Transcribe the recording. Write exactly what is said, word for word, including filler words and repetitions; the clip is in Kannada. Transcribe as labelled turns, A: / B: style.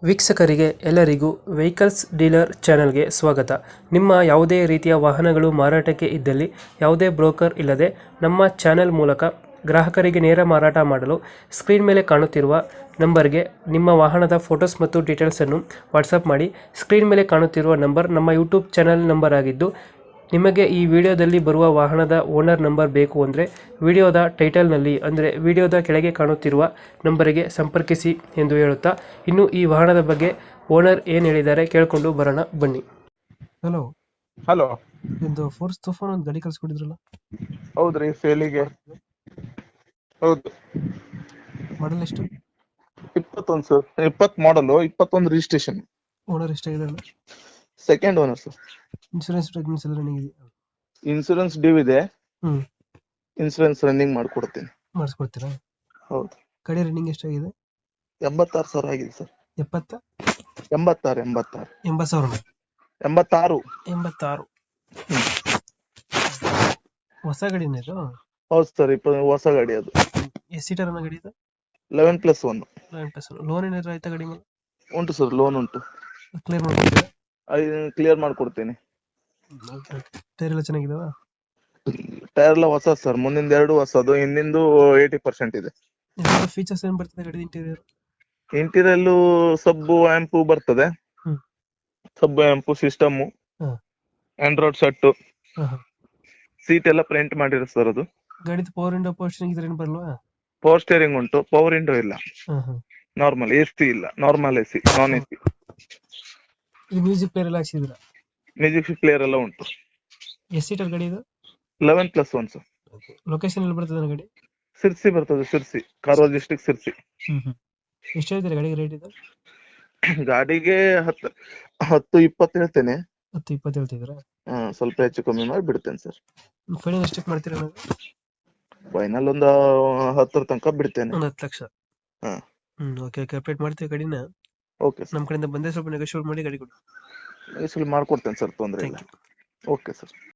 A: ವೀಕ್ಷಕರಿಗೆ ಎಲ್ಲರಿಗೂ ವೆಹಿಕಲ್ಸ್ ಡೀಲರ್ ಚಾನೆಲ್ಗೆ ಸ್ವಾಗತ. ನಿಮ್ಮ ಯಾವುದೇ ರೀತಿಯ ವಾಹನಗಳು ಮಾರಾಟಕ್ಕೆ ಇದ್ದಲ್ಲಿ ಯಾವುದೇ ಬ್ರೋಕರ್ ಇಲ್ಲದೆ ನಮ್ಮ ಚಾನೆಲ್ ಮೂಲಕ ಗ್ರಾಹಕರಿಗೆ ನೇರ ಮಾರಾಟ ಮಾಡಲು ಸ್ಕ್ರೀನ್ ಮೇಲೆ ಕಾಣುತ್ತಿರುವ ನಂಬರ್ಗೆ ನಿಮ್ಮ ವಾಹನದ ಫೋಟೋಸ್ ಮತ್ತು ಡೀಟೇಲ್ಸನ್ನು ವಾಟ್ಸಪ್ ಮಾಡಿ. ಸ್ಕ್ರೀನ್ ಮೇಲೆ ಕಾಣುತ್ತಿರುವ ನಂಬರ್ ನಮ್ಮ ಯೂಟ್ಯೂಬ್ ಚಾನೆಲ್ ನಂಬರ್ ಆಗಿದ್ದು, ನಿಮಗೆ ಈ ವಿಡಿಯೋದಲ್ಲಿ ಬರುವ ವಾಹನದ ಓನರ್ ನಂಬರ್ ಬೇಕು ಅಂದರೆ ವಿಡಿಯೋದ ಟೈಟಲ್ನಲ್ಲಿ ಅಂದರೆ ವಿಡಿಯೋದ ಕೆಳಗೆ ಕಾಣುತ್ತಿರುವ ನಂಬರಿಗೆ ಸಂಪರ್ಕಿಸಿ ಎಂದು ಹೇಳುತ್ತಾ, ಇನ್ನು ಈ ವಾಹನದ ಬಗ್ಗೆ ಓನರ್ ಏನು ಹೇಳಿದ್ದಾರೆ ಕೇಳಿಕೊಂಡು ಬರೋಣ ಬನ್ನಿ. ಹಲೋ
B: ಹಲೋ,
A: ಇದು ಫೋರ್ಸ್ ತುಫಾನ್ ಒಂದು ಗಾಡಿ ಕಳ್ಸಿಕೊಟ್ಟಿದ್ರಲ್ಲ,
B: ಹೌದ್ರಿ ಸೇಲಿಗೆ. ಹೌದು,
A: ಮಾಡಲ್ ಎಷ್ಟು?
B: ಇಪ್ಪತ್ತೊಂದು ಸರ್, ಇಪ್ಪತ್ ಮಾಡಲು, ಇಪ್ಪತ್ತೊಂದು ರಿಜಿಸ್ಟ್ರೇಷನ್.
A: ಓನರ್ ಎಷ್ಟಾಗಿದೆಲ್ಲ?
B: Second owner sir.
A: Insurance documents ಎಲ್ಲ ರನ್ನಿಂಗ್ ಇದೆಯಾ?
B: ಇನ್ಸೂರೆನ್ಸ್ ಡ್ಯೂ ಇದೆ,
A: ಹ್ಮ್
B: ಇನ್ಸೂರೆನ್ಸ್ ರನ್ನಿಂಗ್ ಮಾಡ್ಕೊಡ್ತೀನಿ.
A: ಮಾಡಿಸ್ಕೊಡ್ತೀರಾ?
B: ಹೌದು.
A: ಗಾಡಿ ರನ್ನಿಂಗ್ ಎಷ್ಟಾಗಿದೆ?
B: ಎಂಬತ್ತಾರು ಸಾವಿರ ಆಗಿದೆ ಸರ್.
A: ಎಪ್ಪತ್ತ
B: ಎಂಬತ್ತಾರು ಎಂಬತ್ತಾರು
A: ಎಂಬತ್ತು ಸಾವಿರ
B: ಎಂಬತ್ತಾರು
A: ಎಂಬತ್ತಾರು ಹೊಸ ಗಾಡಿನೇ ಇದು?
B: ಹೌದು ಸರ್, ಇಪ್ಪ ಹೊಸ ಗಾಡಿ ಅದು.
A: ಎಷ್ಟು ಸೀಟರ್ ಅನ್ನೋ ಗಾಡಿ ಇದು?
B: Eleven plus one.
A: Eleven plus loan ಏನಾದ್ರು ಆಯ್ತಾ ಗಾಡಿ ಮೇಲೆ?
B: ಉಂಟು ಸರ್, ಲೋನ್ ಉಂಟು.
A: ಕ್ಲಿಯರ್ ಮಾಡ್ಕೊಡ್ತೀರಾ?
B: ಕ್ಲಿಯರ್ ಮಾಡ್ಕೊಡ್ತೀನಿ.
A: ಟೈರ್ ಎಲ್ಲ ಚೆನ್ನಾಗಿದಾವ?
B: ಟೈರ್ ಎಲ್ಲ ಹೊಸ ಸರ್, ಮುಂದಿಂದ ಎರಡು ಹೊಸದು, ಹಿಂದಿಂದು ಏಯ್ಟಿ ಪರ್ಸೆಂಟ್ ಇದೆ.
A: ಫೀಚರ್ಸ್ ಏನ್ ಬರ್ತದೆ ಗಾಡಿ ಇಂಟೀರಿಯರ್?
B: ಇಂಟೀರಿಯಲ್ ಸಬ್ಬು ಆಂಪು ಬರ್ತದೆ.
A: ಹ್ಮ್.
B: ಸಬ್ಬು ಆಂಪು ಸಿಸ್ಟಮ್,
A: ಹಾ.
B: ಆಂಡ್ರಾಯ್ಡ್ ಸೆಟ್,
A: ಹಾ, ಹಾ.
B: ಸೀಟ್ ಎಲ್ಲ ಪ್ರಿಂಟ್ ಮಾಡಿರೋ ಸರ್ ಅದು.
A: ಗಾಡಿದು ಪವರ್ ವಿಂಡೋ ಪವರ್ ಸ್ಟೀರಿಂಗ್ ಇದ್ರೆ ಏನು ಬರಲ್ವಾ?
B: ಪವರ್ ಸ್ಟೇರಿಂಗ್ ಉಂಟು, ಪವರ್ ವಿಂಡೋ ಇಲ್ಲ.
A: ಹಾ, ಹಾ.
B: ನಾರ್ಮಲ್ ಎ ಸಿ ಇಲ್ಲ, normal A C, non A C.
A: ಇದು ಮ್ಯೂಸಿಕ್ ಪ್ಲೇಯರ್ ಎಲ್ಲ ಹಾಕ್ಸಿದ್ರ?
B: ಮ್ಯೂಸಿಕ್ ಪ್ಲೇಯರ್ ಎಲ್ಲ ಉಂಟು.
A: ಎಷ್ಟು ಸೀಟರ್ ಗಾಡಿ ಇದು?
B: Eleven plus one sir.
A: Location ಎಲ್ಲಿ ಬರ್ತದೆ ಗಾಡಿ?
B: ಸಿರ್ಸಿ ಬರ್ತದೆ, ಸಿರ್ಸಿ, ಕಾರವಾರ ಡಿಸ್ಟ್ರಿಕ್ಟ್ ಸಿರ್ಸಿ.
A: ಹ್ಮ್ ಹ್ಮ್ ಎಷ್ಟು ಹೇಳ್ತೀರಾ ಗಾಡಿಗೆ ರೇಟ್ ಇದು?
B: ಗಾಡಿಗೆ ಹತ್ತು ಹತ್ತು ಇಪ್ಪತ್ತು ಹೇಳ್ತೇನೆ.
A: ಹತ್ತು ಇಪ್ಪತ್ತು ಹೇಳ್ತಿದ್ರಾ?
B: ಹಾ, ಸ್ವಲ್ಪ ಹೆಚ್ಚು ಕಮ್ಮಿ ಮಾಡಿ ಬಿಡ್ತೇನೆ ಸರ್.
A: ಫೈನಲ್ ಎಷ್ಟಕ್ಕೆ ಮಾಡ್ತೀರಾ ನಾವು?
B: ಫೈನಲ್ ಒಂದು ಹತ್ತರ ತನಕ ಬಿಡ್ತೇನೆ.
A: ಒಂದು ಹತ್ತು ಲಕ್ಷ?
B: ಹಾ.
A: ಹ್ಮ್ ಓಕೆ ಓಕೆ ಅಪ್ಡೇಟ್ ಮಾಡ್ತೀವಿ ಗಾಡಿನ.
B: ಓಕೆ ಸರ್,
A: ನಮ್ಮ ಕಡೆಯಿಂದ ಬಂದೇ ಸ್ವಲ್ಪ ನೆಗೋಶಿಯೇಟ್ ಮಾಡಿ ಗಾಡಿ ಕೊಡಿ.
B: ಈ ಸಲ ಮಾಡ್ಕೊಡ್ತೇನೆ ಸರ್, ತೊಂದರೆ ಇಲ್ಲ.
A: Thank you.
B: Okay sir.